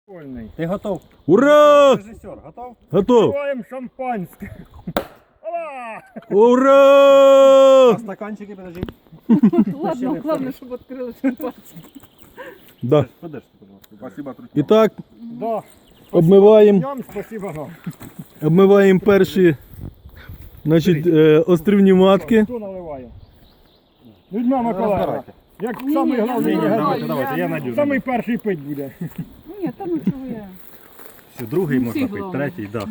Ти готов? Ура! Режисер, готов? Готов! Открываем шампанское. Ала! Ура! А стаканчики, подожди. Ладно, главное, чтобы открыла шампанское. Да. Подожди, пожалуйста. Спасибо, Трутьян. І так, Да. обмиваємо, Днем спасибо вам. обмиваємо перші, значить, острівні матки. Хто наливає? Людмила Миколаївна. Розбирайте. Як Ні, самий я головний не не знаю. гадаю. Давайте, я надію. Самий перший пить буде. Ні, там нічого я. Все, другий Ну, можна всі пити, головне. третій, да.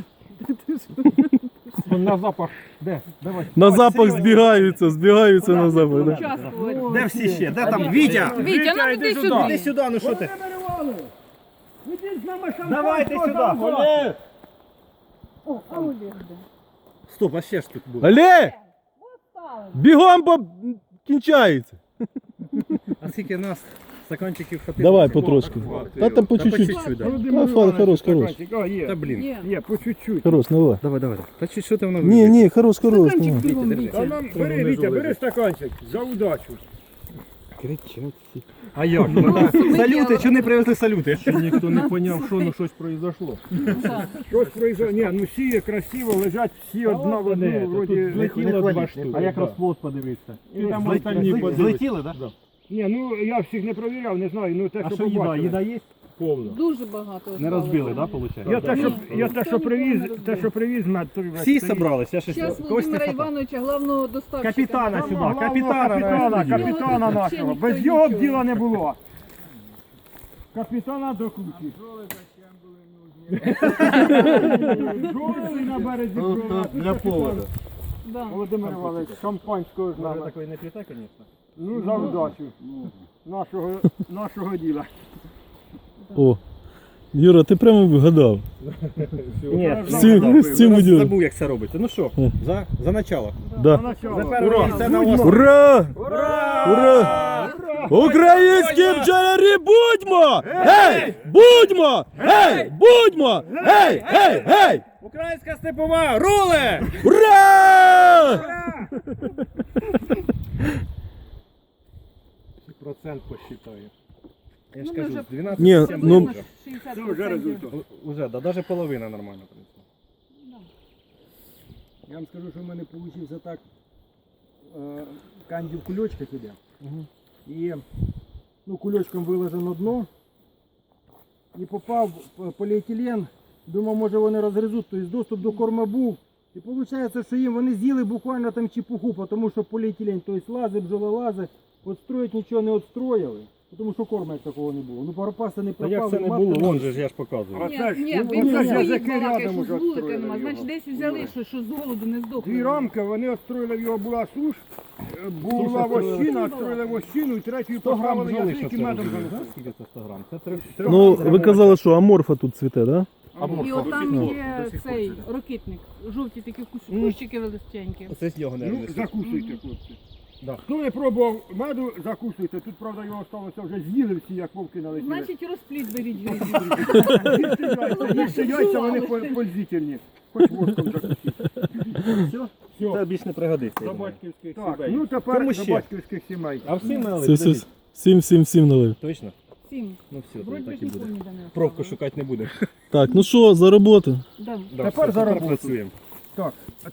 На запах. Де? Давай. На запах збігаються на запах. Да? Участвувати. Де всі ще? Де там? Вітя! Вітя, ну іди Іди сюди. сюди, ну що ти? Ідіть з нами шампанського. Давайте сюди. замовляйте. О, а Олег де? Стоп, а ще ж тут буде. Але! Бігом, бо кінчається. А скільки нас стаканчиків хватило? Давай потрошки. Та там по Та по чуть-чуть. чуть-чуть, да. Володимир Та, Іванович, хорош. стаканчик. А, Та є. блін. Є. По чуть-чуть. Хорош, давай. Давай. Та чи що ти воно Ні, хорош. Стаканчик давай. бігом, Держи. А Вітя. нам, бери, Вітя, бери стаканчик. За удачу. Кричать всі. А як? Салюти, чого не привезли салюти? Ніхто не поняв, що ну щось произошло. Так. Щось произошло. Ні, ну всі красиво лежать, всі одна в одну, вроді. Злетіло два штуки. А як розплод подивитися? І там остальні подивись. Злетіли, так? Ні, ну я всіх не провіряв, не знаю, ну те, А що що їда? побачили. Їда є? Повно. Дуже багато. Не розбили, так, виходить? Я те, що привіз, мед, то Всі зібралися, я ще Зараз когось не Володимира хватає. Івановича, главного доставщика. Капітана сюди, Капітана Його нашого. взагалі Без ніхто його б нічого. діла не було. Капітана до кучі. Жолили на березі провели. Для поводу. Да. Володимир Іванович, шампанського з Може нами. такої не п'єте, звісно. Ну, за удачу нашого діла. О, Юра, ти прямо вгадав. Ні, з цим уділом. забув, як це робиться. Ну що, за начало. Да. Ура! Це на вас. Ура! Ура! Українські бджолярі будьмо! Гей! Будьмо! Гей! Будьмо! Гей! Гей! Гей! Українська степова, руле! Ура! Процент посчитаю. Я ж Ну, ми кажу, вже- 12 Ні, сім ну- вже. 60%. Це вже результат. Уже, да, навіть половина нормально принесла. Я вам скажу, що в мене вийшло так, канді в кульочках іде. І ну, кульочком виложено дно. І попав поліетилен. Думав, може вони розгризуть, тобто доступ до корма був. І виходить, що їм вони з'їли буквально там чепуху, тому що поліетилен, тобто лази, бджололази, отстроїть нічого не отстроїли. Тому що корма як такого не було. Ну, паропаси не Та пропали. як це не матки було, не вон же ж я ж показую. Ні, Оце ж, ні, ну, він оце ж за язики балакає, рядом що уже з вулика відстроїли нема. його. Значить, десь взяли, що з голоду не здохли. Дві рамки, вони отстроїли, в його була суш, була вощина, отстроїли вощину, і третю 100 грам поставили бджоли, язик що і це медом робили, занесли. знаєш, скільки це 100 грам? Це 3. Ну, ви казали, що аморфа тут цвіте, да? І отам є цей ракитник. Жовті такі кущики величенькі. Це з його не Ну, закусуйте, хлопці. Хто не пробував меду, закусуйте. Тут, правда, його сталося вже з'їли всі, як вовки налетіли. Значить, розпліт беріть. Їсти яйця, вони пользительні. Хоч воском закусіть. Все? Це більш не пригодиться. я До думаю. батьківських сімей. Так, ну тепер Кому до ще? батьківських сімей. А всім Все, налить? все, всім налив. Точно? 7. Ну все, Вроді так би і буде. нікого ніде не Пробку шукати не будемо. Так, ну що, за роботу? Да. Тепер за роботу. працюємо. Так,